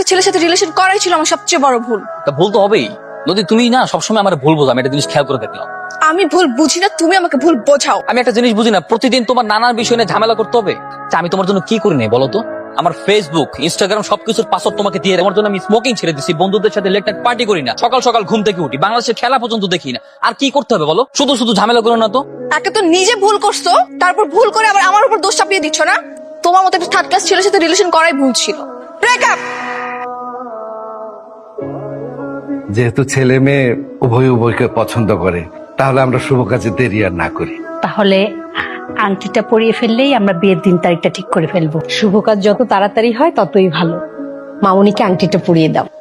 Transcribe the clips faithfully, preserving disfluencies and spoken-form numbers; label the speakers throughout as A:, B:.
A: ছেলের সাথে রিলেশন করাই ছিল আমার সবচেয়ে বড় ভুল।
B: তা ভুল তো হবেই নদী, তুমি না সবসময় আমার ভুল বোঝো, আমি একটা জিনিস খেয়াল করে দেখলাম।
A: আমি ভুল বুঝি না, তুমি আমাকে ভুল বোঝাও।
B: আমি একটা জিনিস বুঝি না, প্রতিদিন তোমার নানান বিষয় নিয়ে ঝামেলা করতে হবে। তা আমি তোমার জন্য কি করি নাই বলো তো? আমার ফেসবুক ইনস্টাগ্রাম সবকিছুর পাসওয়ার্ড তোমাকে দিয়ে তোমার জন্য আমি স্মোকিং ছেড়ে দিচ্ছি, বন্ধুদের সাথে লেট নাইট পার্টি করি না, সকাল সকাল ঘুম থেকে উঠি, বাংলাদেশের খেলা পর্যন্ত দেখি না। আর কি করতে হবে বলো? শুধু শুধু ঝামেলা করো না তো।
A: একে তো নিজে ভুল করছো, তারপর ভুল করে আবার আমার উপর দোষ চাপিয়ে দিচ্ছ না? তোমার মতো একটা থার্ড ক্লাস ছেলের সাথে রিলেশন করাই ভুল ছিল। ব্রেকআপ।
C: যেহেতু ছেলে মেয়ে উভয় উভয়কে পছন্দ করে, তাহলে আমরা শুভ কাজে দেরি আর না করি।
D: তাহলে আংটিটা পরিয়ে ফেললেই আমরা বিয়ের দিন তারিখটা ঠিক করে ফেলবো। শুভ কাজ যত তাড়াতাড়ি হয় ততই ভালো। মামুনিকে আংটিটা পরিয়ে দাও।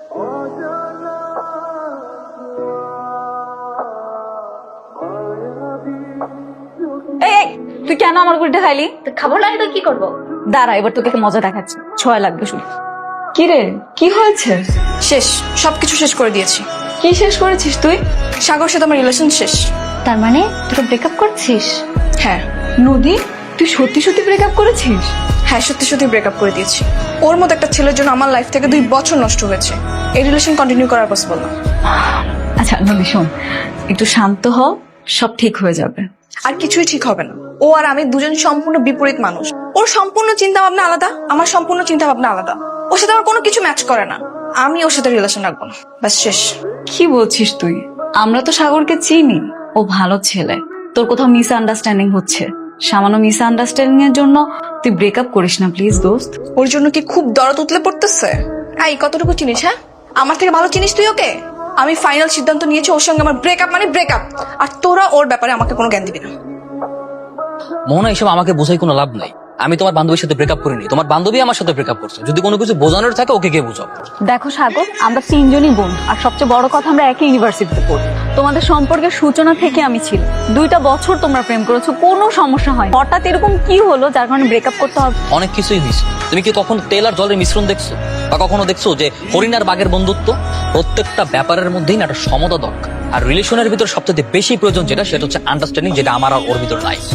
E: এই তুই কেন আমার গুলিটা খাইলি? খাবো না তো কি করবো? দাঁড়া, এবার তোকে মজা দেখাচ্ছি। ছয় লাগবে শুধু। কি রে, কি হয়েছে?
A: শেষ, সবকিছু শেষ করে দিয়েছি।
E: কি শেষ করেছিস তুই?
A: সাগর সাথে আমার রিলেশন শেষ।
D: তার মানে তোকে ব্রেকআপ করছিস?
A: হ্যাঁ
E: নদী, তুই সত্যি সত্যি ব্রেকআপ করেছিস?
A: হ্যাঁ সত্যি সত্যি ব্রেকআপ করে দিয়েছি। ওর মতো একটা ছেলের জন্য আমার লাইফ থেকে দুই বছর নষ্ট হয়েছে। এই রিলেশন কন্টিনিউ করার পসিবল না।
E: আচ্ছা নদী শোন, একটু শান্ত হ, সব ঠিক হয়ে যাবে।
A: আর কিছুই ঠিক হবে না। ও আর আমি দুজন সম্পূর্ণ বিপরীত মানুষ। ওর সম্পূর্ণ চিন্তা ভাবনা আলাদা, আমার সম্পূর্ণ চিন্তা ভাবনা আলাদা। ওর সাথে আমার কোনো কিছু ম্যাচ করে না। আমি ওর সাথে রিলেশন রাখবো না, ব্যাস শেষ।
E: কি বলছিস তুই? আমরা তো সাগরকে চিনি, ও ভালো ছেলে। তোর কোথাও মিস আন্ডারস্ট্যান্ডিং হচ্ছে। সামান্য মিস আন্ডারস্ট্যান্ডিং এর জন্য তুই ব্রেকআপ করিস না প্লিজ দোস্ত।
A: ওর জন্য কি খুব দরদ উতলে পড়তেছে? এই কতটুকু চিনিস? হ্যাঁ, আমার থেকে ভালো চিনিস তুই ওকে। আমি ফাইনাল সিদ্ধান্ত নিয়েছি, ওর সঙ্গে আমার ব্রেকআপ মানে ব্রেকআপ। আর তোরা ওর ব্যাপারে আমাকে কোনো জ্ঞান দিবি না।
B: মোহনা, এসব আমাকে বোঝাই কোনো লাভ নাই। আমি তোমার বান্ধবীর সাথে ব্রেকআপ করিনি, তোমার বান্ধবী আমার সাথে ব্রেকআপ করছে। যদি কোনো কিছু বোঝানোর থাকে ওকে গিয়ে বোঝাও।
E: দেখো সাগর, আমরা তিনজনই বন্ধু, আর সবচেয়ে বড় কথা আমরা একই ইউনিভার্সিটিতে পড়ি। তোমাদের সম্পর্কের সূচনা থেকে আমি ছিল। দুইটা বছর তোমরা প্রেম করেছো, কোনো সমস্যা হয়। হঠাৎ এরকম কি হলো যার কারণে ব্রেকআপ করতে হবে?
B: অনেক কিছুই হয়েছে। তুমি কি কখনো তেল আর জলের মিশ্রণ দেখছো? বা কখনো দেখছো যে হরিণ আর বাঘের বন্ধুত্ব? প্রত্যেকটা ব্যাপারের মধ্যেই না একটা সমতা দরকার। আর রিলেশনের ভিতর সবচেয়ে বেশি প্রয়োজন যেটা, সেটা হচ্ছে আন্ডারস্ট্যান্ডিং, যেটা আমার আর ওর ভিতর নাই।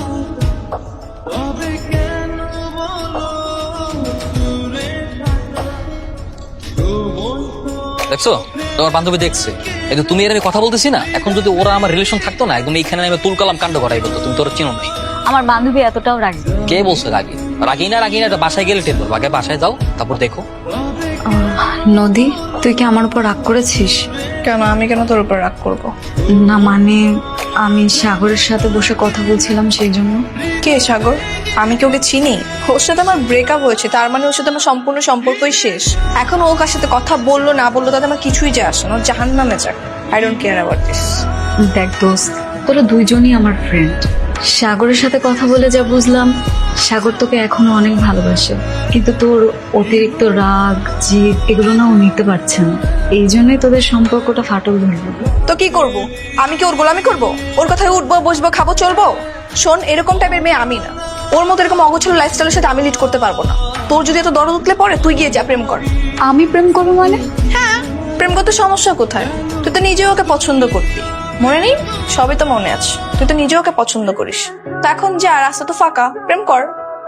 B: দেখছো, তোমার বান্ধবী দেখছে। কিন্তু তুমি এর আমি কথা বলতেছি না, এখন যদি ওরা আমার রিলেশন থাকতো না, একদম এইখানে আমি তুলকালাম কাণ্ড করাই বলতো। তুমি তো ওরা চিনো নাই।
E: আমার বান্ধবী এতটাও রাখি?
B: কে বলছে রাগি? রাগি না রাগি না এটা বাসায় গেলে টের করবো। আগে বাসায় যাও, তারপর দেখো।
E: নদী, তুই কি আমার উপর রাগ করেছিস?
A: কেন? আমি কেন তোর উপর রাগ করবো?
E: না মানে আমি সাগরের সাথে বসে কথা বলছিলাম সেই জন্য।
A: কে সাগর? আমি কি ওকে চিনি? ওর সাথে আমার ব্রেকআপ হয়েছে, তার মানে ওর সাথে আমার সম্পূর্ণ সম্পর্কই শেষ। এখন ও কার সাথে কথা বললো না বললো তাতে আমার কিছুই যায় আসে না। ও জাহান্নামে যাক। I don't care about this.
E: দেখ দোস্ত, তোরা দুইজনই আমার ফ্রেন্ড। সাগরের সাথে কথা বলে যা বুঝলাম, সাগর তোকে এখনো অনেক ভালোবাসে, কিন্তু তোর অতিরিক্ত রাগ জিদ এগুলো না ও নিতে পারছে না। এই জন্যই তোদের সম্পর্কটা ফাটল ধরবে।
A: তো কি করব? আমি কি ওর গোলামি করব? ওর কথায় উঠবো, বসবো, খাবো, চলবো? শোন, এরকম টাইপের মেয়ে আমি না। ওর মতো এরকম অগোছালো লাইফস্টাইলের সাথে আমি লিড করতে পারবো না। তোর যদি এত দরদ উতলে পড়ে, তুই গিয়ে যা প্রেম কর।
E: আমি প্রেম করবো মানে?
A: হ্যাঁ, প্রেম করতে সমস্যা কোথায়? তুই তো নিজেও ওকে পছন্দ করবি, মনে নেই? সবই তো মনে আছে। তুই তো নিজেও ওকে পছন্দ করিস। তা এখন যা, রাস্তা তো ফাঁকা, প্রেম কর।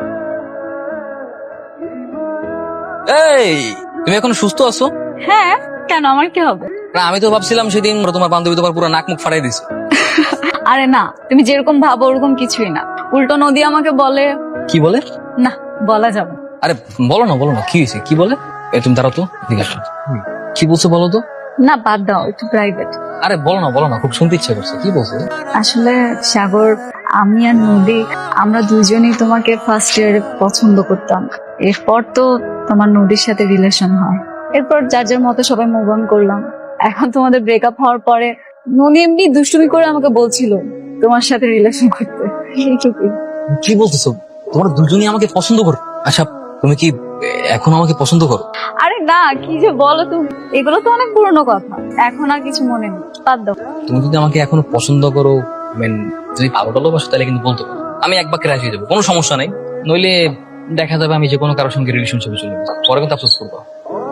B: এই, তুমি এখন সুস্থ আছো?
E: হ্যাঁ, কেন আমার কি হবে?
B: না, আমি তো ভাবছিলাম সেদিন তোমার বান্ধবী তোমার পুরো নাক মুখ ফাড়াই দিছে।
E: আরে না, তুমি যেরকম ভাবো ওরকম কিছুই না। উল্টো নদী আমাকে বলে।
B: কি বলে?
E: না, বলা যাবে না।
B: আরে বলো না, বলো না, কি হয়েছে? কি বলে? এ তুমি দাঁড়াও তো, ঠিক আছে। কি বলছো বলো তো?
E: না বাদ দাও, একটু প্রাইভেট।
B: আরে বলো না, বলো না, খুব শুনতে ইচ্ছে করছে। কি বলছো?
E: আসলে সাগর, আমি আর নদী আমরা দুজনেই তোমাকে ফার্স্ট ইয়ারে পছন্দ করতাম। এরপর তো তোমার নদীর সাথে রিলেশন হয়। এরপর যার যার মতো সবাই মুভ অন করলাম। এখন তোমাদের ব্রেকআপ হওয়ার পরে নদী এমনি দুষ্টুমি করে আমাকে বলছিল তোমার সাথে রিলেশন করতে। এইটুকুই।
B: কি বলতেছো? তোমরা দুজনই আমাকে পছন্দ করো? আচ্ছা, তুমি কি এখন আমাকে পছন্দ করো?
E: আরে না, কি যে বলো তুমি, এগুলো তো অনেক পুরনো কথা, এখন আর কিছু মনে নেই, বাদ দাও।
B: তুমি যদি আমাকে এখনো পছন্দ করো, মেন যদি ভালো ভালোবাসো, তাহলে কিন্তু বলতে পারো। আমি এক বাক্যে রাজি হয়ে যাবো, কোনো সমস্যা নেই। নইলে দেখা যাবে আমি যে কোনো কারোর সঙ্গে রিলেশনশিপে চলে গেছি, পরে কিন্তু আফসোস করবো।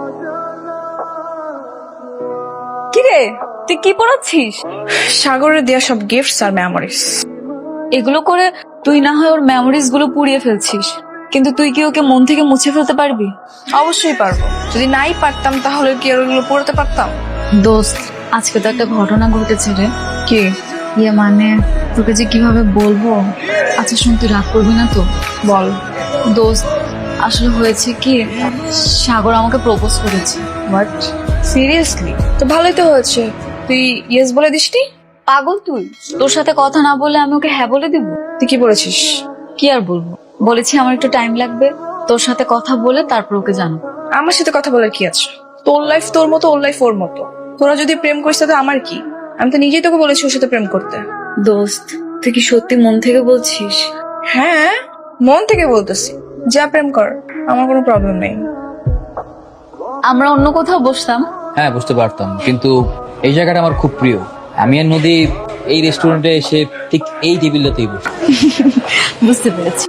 E: কিরে, তুই কি পড়াচ্ছিস?
A: সাগরের দেয়া সব গিফটস আর মেমোরিজ।
E: এগুলো করে তুই না হয় ওর মেমোরিজ গুলো পুড়িয়ে ফেলছিস। কিন্তু তুই কি ওকে মন থেকে মুছে ফেলতে পারবি?
A: অবশ্যই পারবো। যদি নাই পারতাম তাহলে কি আর ওগুলো পড়তে পারতাম?
E: দোস্ত, আজকে তো একটা ঘটনা ঘটেছে রে।
A: কি?
E: ইয়ে মানে তোকে যে কিভাবে বলবো। আচ্ছা শোন, তুই রাগ করবি না তো?
A: বল।
E: দোস্ত, আসলে হয়েছে কি, সাগর আমাকে প্রপোজ করেছে।
A: But seriously? তো ভালোই তো হয়েছে, তুই ইয়েস বলে দিসনি?
E: পাগল তুই? তোর সাথে কথা না বলে আমি ওকে হ্যাঁ বলে দিব?
A: তুই কি বলেছিস?
E: কি আর বলবো, বলেছি আমার একটু টাইম লাগবে, তোর সাথে কথা বলে তারপর ওকে জানো।
A: আমার সাথে কথা বলার কি আছে? তোর লাইফ তোর মতো, ওর লাইফ ওর মতো। তোরা যদি প্রেম করিস তাতে আমার কি? আমি তো নিজেই তোকে বলেছি ওর সাথে প্রেম করতে।
E: দোস্ত, তুই কি সত্যি মন থেকে বলছিস?
A: হ্যাঁ, মন থেকে বলতেছি। যা প্রেম কর, আমার কোনো প্রবলেম নেই।
E: আমরা অন্য কোথাও বসতাম।
B: হ্যাঁ বুঝতে পারতাম, কিন্তু এই জায়গাটা আমার খুব প্রিয়। আমি আর নদী এই রেস্টুরেন্টে এসে ঠিক এই টেবিলটাতেই বসি।
E: বুঝতে পেরেছি।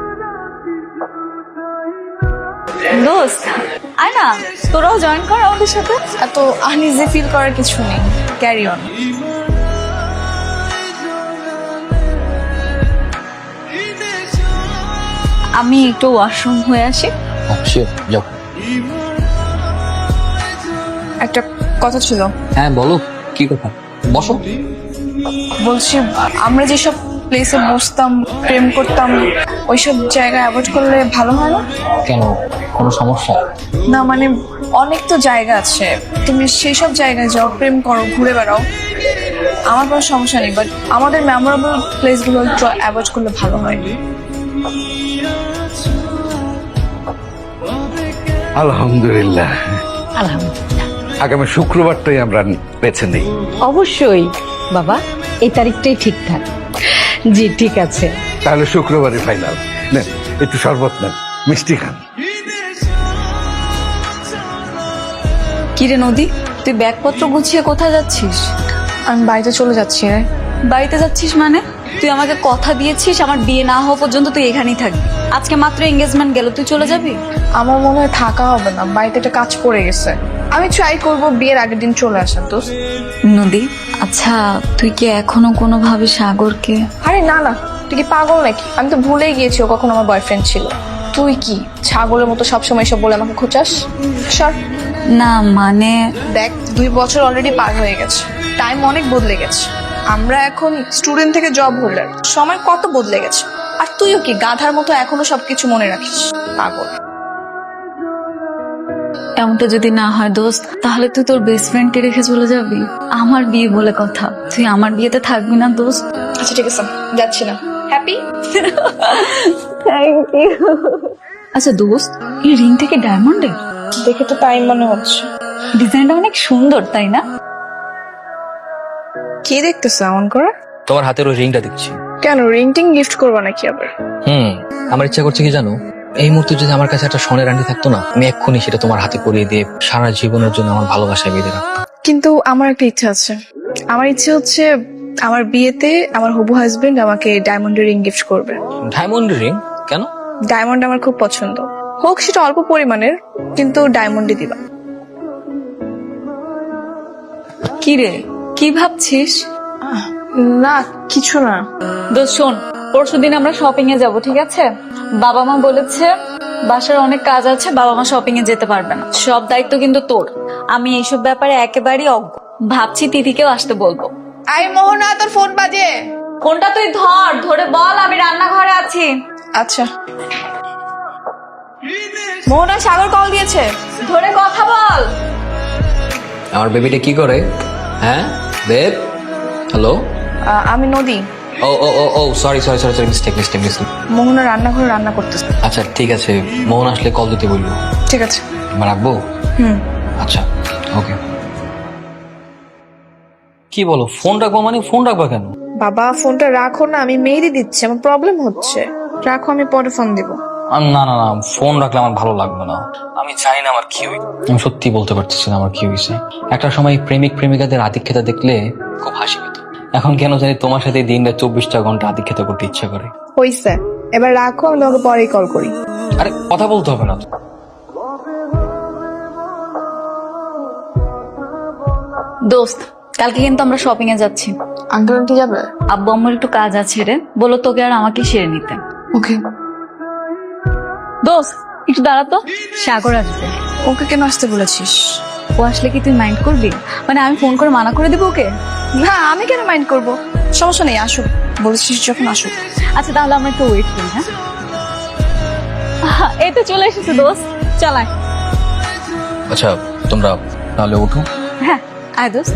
E: দোস্ত, আয় না, তোরাও জয়েন কর আমাদের সাথে।
A: এত আনইজি ফিল করার কিছু নেই, ক্যারি অন।
E: আমি একটু ওয়াশরুম হয়ে আসি।
B: শিওর, যাও।
A: একটা কথা ছিল।
B: হ্যাঁ বলো, কি কথা? বসো।
A: বলছি, আমরা যেসব প্লেসে বসতাম, প্রেম করতাম, ওইসব জায়গা অ্যাভয়েড করলে ভালো হয় না?
B: কেন, কোনো সমস্যা?
A: না মানে অনেক তো জায়গা আছে, তুমি সেই সব জায়গায় যাও, প্রেম করো, ঘুরে বেড়াও, আমার কোনো সমস্যা নেই। বাট আমাদের মেমোরেবল প্লেসগুলো একটু অ্যাভয়েড করলে ভালো হয়।
C: আলহামদুলিল্লাহ,
D: আলহামদুলিল্লাহ।
C: আগামী শুক্রবারটাই আমরা বেছে নেই।
D: অবশ্যই বাবা, এই তারিখটাই ঠিকঠাক। জি ঠিক আছে।
C: তাহলে শুক্রবারই ফাইনাল। নেন একটু শরবত নেন, মিষ্টি খান।
E: কিরে নদী, তুই ব্যাগপত্র গুছিয়ে কোথায় যাচ্ছিস?
A: আমি বাড়িতে চলে যাচ্ছি রে।
E: বাড়িতে যাচ্ছিস মানে? তুই আমাকে কথা দিয়েছিস আমার বিয়ে না হওয়া পর্যন্ত তুই এখানেই থাকবি। আজকে মাত্র এঙ্গেজমেন্ট গেল, তুই চলে যাবি?
A: আমার মনে হয় থাকা হবে না, বাড়িতে একটা কাজ পড়ে গেছে। আমি ট্রাই করব বিয়ের আগের দিন চলে আসার। তো
E: নদী, আচ্ছা তুই কি এখনো কোনোভাবে সাগরকে?
A: আরে না না, তুই কি পাগল নাকি? আমি তো ভুলেই গিয়েছি ও কখন আমার বয়ফ্রেন্ড ছিল। তুই কি ছাগলের মতো সবসময় সব বলে আমাকে খোঁচাস? সর।
E: না মানে
A: দেখ, দুই বছর অলরেডি পার হয়ে গেছে, টাইম অনেক বদলে গেছে। আমরা এখন স্টুডেন্ট থেকে জব হোল্ডার, সময় কত বদলে গেছে। আর তুইও কি গাধার মতো এখনো সবকিছু মনে রাখিস? পাগল।
E: এমনটা যদি না হয় দোস্ত, তাহলে তুই তোর বেস্ট ফ্রেন্ডকে রেখে চলে যাবি? আমার বিয়ে বলে কথা, তুই আমার বিয়েতে থাকবি না দোস্ত?
A: আচ্ছা ঠিক আছে, যাচ্ছি না। হ্যাপি?
E: Thank you. আচ্ছা দোস্ত, এই রিং থেকে ডায়মন্ডের?
A: দেখে তো তাই মনে হচ্ছে।
E: ডিজাইনটা অনেক সুন্দর, তাই না?
A: কি দেখতেছো এমন করে?
B: তোমার হাতের ওই রিংটা দেখছি।
A: কেন, রিং টিং গিফট করবা নাকি আবার?
B: হুম, আমার ইচ্ছা করছে কি জানো, এই মুহূর্তে যদি আমার কাছে একটা সোনের আংটি থাকতো না, আমি এক্ষুনি সেটা তোমার হাতে পরিয়ে দিয়ে সারা জীবনের জন্য আমার ভালোবাসায় বেঁধে রাখতাম।
A: কিন্তু আমার একটা ইচ্ছা আছে। আমার ইচ্ছে হচ্ছে আমার বিয়েতে আমার হবু হাজবেন্ড আমাকে ডায়মন্ডের রিং গিফট করবে।
B: Diamond ring? কেন?
A: ডায়মন্ড আমার খুব পছন্দ, হোক সেটা অল্প পরিমাণের, কিন্তু ডায়মন্ডই দিবা।
E: কি রে, কি ভাবছিস?
A: আহ, না কিছু না।
E: দোস্ত শোন, পরশু দিন আমরা শপিং এ যাব, ঠিক আছে? বাবা মা বলেছে বাসার অনেক কাজ আছে, বাবা মা শপিং এ যেতে পারবে না। সব দায়িত্ব কিন্তু তোর। আমি এইসব ব্যাপারে একেবারেই অজ্ঞ। ভাবছি তিথিকেও আসতে বলবো।
A: আই মোহনা, তোর ফোন বাজে।
E: ফোনটা তুই ধর, ধরে বল আমি রান্নাঘরে আছি।
A: আচ্ছা। মোহনা, সাগর কল দিয়েছে।
E: ধরে কথা বল।
B: আমার বেবিটা কি করে? হ্যাঁ বেব, হ্যালো।
A: আহ, আমি নদী।
B: ও ও ও ও sorry sorry sorry sorry mistake mistake mistake.
A: Mohona রান্নাঘরে রান্না করতেছে।
B: আচ্ছা ঠিক আছে, মোহন আসলে কল দিতে বললো।
A: ঠিক আছে।
B: এবার রাখবো?
A: হুম।
B: আচ্ছা ওকে। কি বলো, ফোন রাখবো মানে? ফোন রাখবা কেন?
A: বাবা ফোনটা রাখো না, আমি মেহেদি দিচ্ছি, আমার প্রবলেম হচ্ছে। রাখো, আমি পরে ফোন দিব।
B: আম, না না না, ফোন রাখলে আমার ভালো লাগবে না। আমি জানি না আমার কি হই, আমি সত্যি বলতে পারতেছি না আমার কি হয়েছে। একটা সময় প্রেমিক প্রেমিকাদের আতিথ্যতা দেখলে খুব হাসি পেত, এখন কেন জানি তোমার সাথে দিনটা চব্বিশটা ঘন্টা আতিথ্যতা করতে ইচ্ছা করে।
A: হইছে, এবার রাখো, আমি তোমাকে পরেই কল করি।
B: আরে কথা বলতে হবে না।
E: দোস্ত, কালকে কিন্তু আমরা শপিং এ যাচ্ছি।
A: আঙ্কেল আন্টি যাবে?
E: আব্বু আমার একটু কাজ আছে রে, বলো তোকে আর আমাকে সেরে নিতে।
A: ওকে।
E: দোস্ত একটু দাঁড়াতো, সাগর আসবে।
A: ওকে কেন আসতে বলেছিস?
E: ও আসলে কি তুই মাইন্ড করবি? মানে আমি ফোন করে মানা করে দিব ওকে?
A: না, আমি কেন মাইন্ড করব? সমস্যা নেই, আসুক, বলেছিস যখন আসুক।
E: আচ্ছা তাহলে আমরা একটু ওয়েট করি। হ্যাঁ আহা, এই তো চলে এসেছে দোস্ত, চালায়।
B: আচ্ছা তোমরা তাহলে উঠো।
E: হ্যাঁ আয় দোস্ত।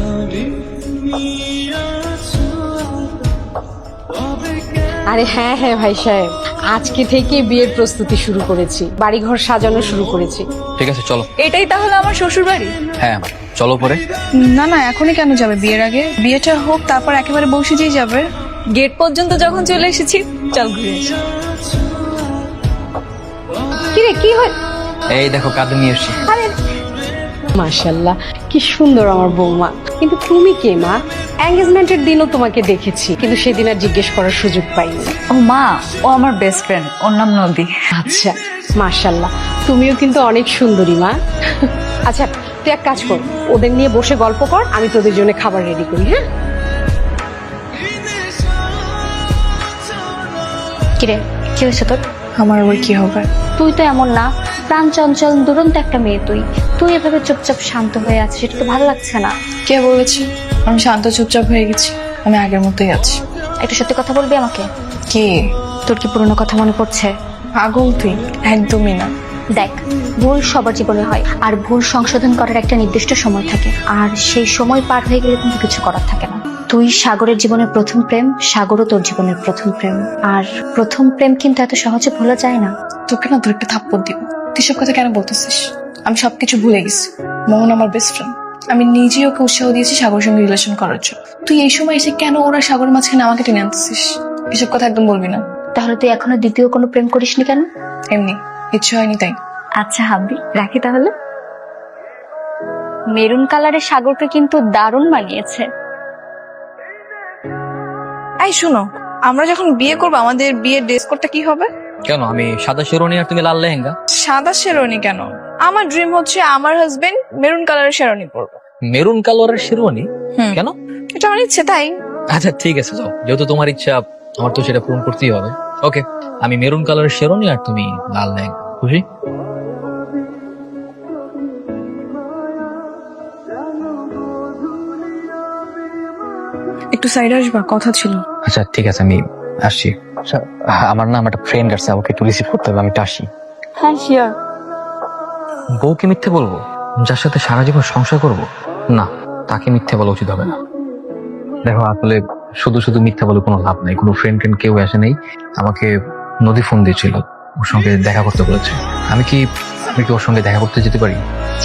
D: আরে হ্যাঁ হ্যাঁ ভাই সাহেব, আজকে থেকে বিয়ের প্রস্তুতি শুরু করেছি, বাড়িঘর সাজানো শুরু করেছি।
B: ঠিক আছে চলো।
E: এটাই তাহলে আমার শ্বশুর বাড়ি?
B: হ্যাঁ চলো পরে।
A: না না, এখনই কেন যাবে? বিয়ের আগে বিয়েটা হোক, তারপর একেবারে বসে যেই যাবে।
E: গেট পর্যন্ত যখন চলে এসেছি, চল ঘুরে আসি।
D: কি রে কি হয়?
B: এই দেখো কাঁদে নিয়ে এসছি।
D: মাশাল্লাহ, কি সুন্দর আমার বৌমা। কিন্তু তুমি কে মা? এঙ্গেজমেন্টের দিনও তোমাকে দেখেছি, কিন্তু সেদিন আর জিজ্ঞেস করার সুযোগ পাইনি।
E: ও মা, ও আমার বেস্ট ফ্রেন্ড, ওর নাম নদী।
D: আচ্ছা মাশাল্লাহ, তুমিও কিন্তু অনেক সুন্দরী মা। আচ্ছা তুই এক কাজ কর, ওদের নিয়ে বসে গল্প কর, আমি তোদের জন্য খাবার রেডি করি। হ্যাঁ
F: কিরে, কি হয়েছে তোর?
A: আমার আবার কি হবে?
F: তুই তো এমন না, প্রাণ চঞ্চল দুরন্ত একটা মেয়ে। তুই তুই এভাবে চুপচাপ শান্ত হয়ে আছিস, এটা তো ভালো লাগছে না।
A: কে বলেছি আমি শান্ত চুপচাপ হয়ে গেছি? আমি আগের মতোই আছি।
F: একটু সত্যি কথা বলবি আমাকে?
A: কি?
F: তোর কি পুরনো কথা মনে পড়ছে?
A: পাগল তুই? একদমই না।
F: দেখ, ভুল সবার জীবনে হয়, আর ভুল সংশোধন করার একটা নির্দিষ্ট সময় থাকে, আর সেই সময় পার হয়ে গেলে কিন্তু কিছু করার থাকে না। তুই সাগরের জীবনের প্রথম প্রেম, সাগরও তোর জীবনের প্রথম প্রেম, আর প্রথম প্রেম কিন্তু এত সহজে ভোলা যায় না।
A: তোকে না তোর একটা থাপ্পড় দিব। তুই সব কথা কেন বলতেছিস? আমি সবকিছু ভুলে গেছি। মোহন আমার বেস্ট ফ্রেন্ড। আমি নিজেই ওকে উৎসাহ দিয়েছি সাগরের সঙ্গে রিলেশন করার জন্য। তুই এই সময় এসে কেন ওরা সাগরের মাঝখানে আমাকে টেনে আনতেছিস? এসব কথা একদম বলবি না।
F: তাহলে তুই এখনো দ্বিতীয় কোনো প্রেম করিসনি কেন?
A: এমনি ইচ্ছে হয়নি তাই।
E: আচ্ছা হাবি, রাখি তাহলে।
F: মেরুন কালারের সাগরকে কিন্তু দারুণ মানিয়েছে।
A: এই শোনো, আমরা যখন বিয়ে করবো আমাদের বিয়ের ড্রেস কোডটা কি হবে?
B: কেন আমি সাদা শেরওয়ানি আর তুমি লাল লেহেঙ্গা?
A: সাদা শেরওয়ানি কেন? আমার ড্রিম হচ্ছে আমার হাজবেন্ড মেরুন কালারের শেরওয়ানি পরবে।
B: মেরুন কালারের শেরওয়ানি?
A: হুম।
B: কেন?
A: এটা আমার ইচ্ছে তাই।
B: আচ্ছা ঠিক আছে যাও, যেহেতু তোমার ইচ্ছা আমার তো সেটা পূরণ করতেই হবে। ওকে, আমি মেরুন কালারের শেরওয়ানি আর তুমি লাল লেহেঙ্গা। খুশি?
A: একটু সাইডে আসবা, কথা ছিল।
B: আচ্ছা ঠিক আছে আমি আসছি। আচ্ছা, আমার না আমার একটা ফ্রেন্ড আছে, আমাকে একটু রিসিভ করতে হবে, আমি একটু আসি।
A: হ্যাঁ শিওর।
B: বউকে মিথ্যে বলবো যার সাথে সারা জীবন সংসার করব? না, তাকে মিথ্যে বলা উচিত হবে না। দেখো আসলে শুধু শুধু মিথ্যা বলে কোনো লাভ নাই। কোনো ফ্রেন্ড ফ্রেন্ড কেউ আসে নেই। আমাকে নদী ফোন দিয়েছিল, ওর সঙ্গে দেখা করতে বলেছে। আমি কি আমি কি ওর সঙ্গে দেখা করতে যেতে পারি?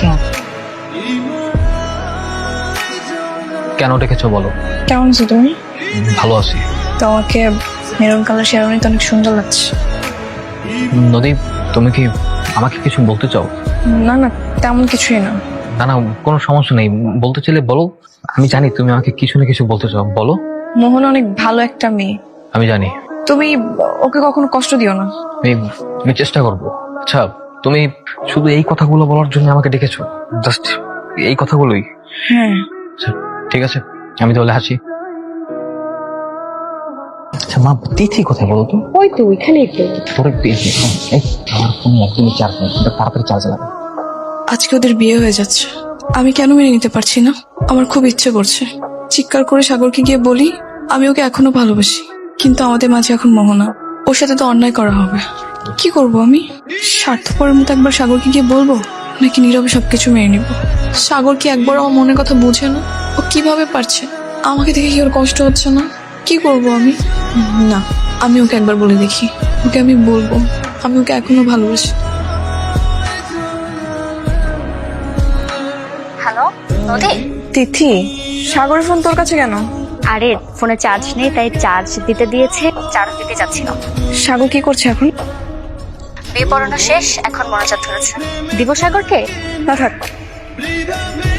B: কেন ডেকেছো বলো?
A: কেমন আছো তুমি?
B: ভালো আছি।
A: তোমাকে মেরুন কালার শেরওয়ানি তো অনেক সুন্দর লাগছে।
B: নদী, তুমি কি আমাকে কিছু বলতে চাও?
A: না না, তেমন কিছুই না।
B: না না, কোনো সমস্যা নেই, বলতে চাইলে বলো। আমি জানি তুমি আমাকে কিছু না কিছু বলতে চাও, বলো।
A: মোহন অনেক ভালো একটা মেয়ে।
B: আমি জানি।
A: তুমি ওকে কখনো কষ্ট দিও না।
B: আমি আমি চেষ্টা করবো। আচ্ছা, তুমি শুধু এই কথাগুলো বলার জন্য আমাকে ডেকেছো? জাস্ট এই কথাগুলোই?
A: হ্যাঁ।
B: আচ্ছা ঠিক আছে, আমি তাহলে হাসি। আচ্ছা মা, তিথি কোথায় বলো তো?
D: ওই তো ওইখানেই তো।
B: তোর একটু এই আমার ফোনে একদমই চার্জ নেই, তাড়াতাড়ি চার্জ লাগবে।
A: আজকে ওদের বিয়ে হয়ে যাচ্ছে, আমি কেন মেনে নিতে পারছি না? আমার খুব ইচ্ছে করছে চিৎকার করে সাগরকে গিয়ে বলি আমি ওকে এখনো ভালোবাসি, কিন্তু আমাদের মাঝে এখন মোহনা, ওর সাথে তো অন্যায় করা হবে। কি করব আমি? স্বার্থপরের মতো একবার সাগরকে গিয়ে বলবো, নাকি নীরবে সবকিছু মেনে নিব? সাগর কি একবার আমার মনের কথা বুঝে না? ও কিভাবে পারছে? আমাকে দেখে কি ওর কষ্ট হচ্ছে না? কি করব আমি? না, আমি ওকে একবার বলে দেখি। ওকে আমি বলবো আমি ওকে এখনো ভালোবাসি।
F: হ্যালো নদী?
A: তিথি, সাগরের ফোন তোর কাছে কেন?
F: আরে ফোনে চার্জ নেই, তাই চার্জ দিতে দিয়েছে, চার্জ দিতে যাচ্ছিল।
A: সাগর কি করছে এখন?
F: বিয়ে পড়ানো শেষ, এখন মনোজাত ধরেছে। দিব সাগরকে?
A: না থাক।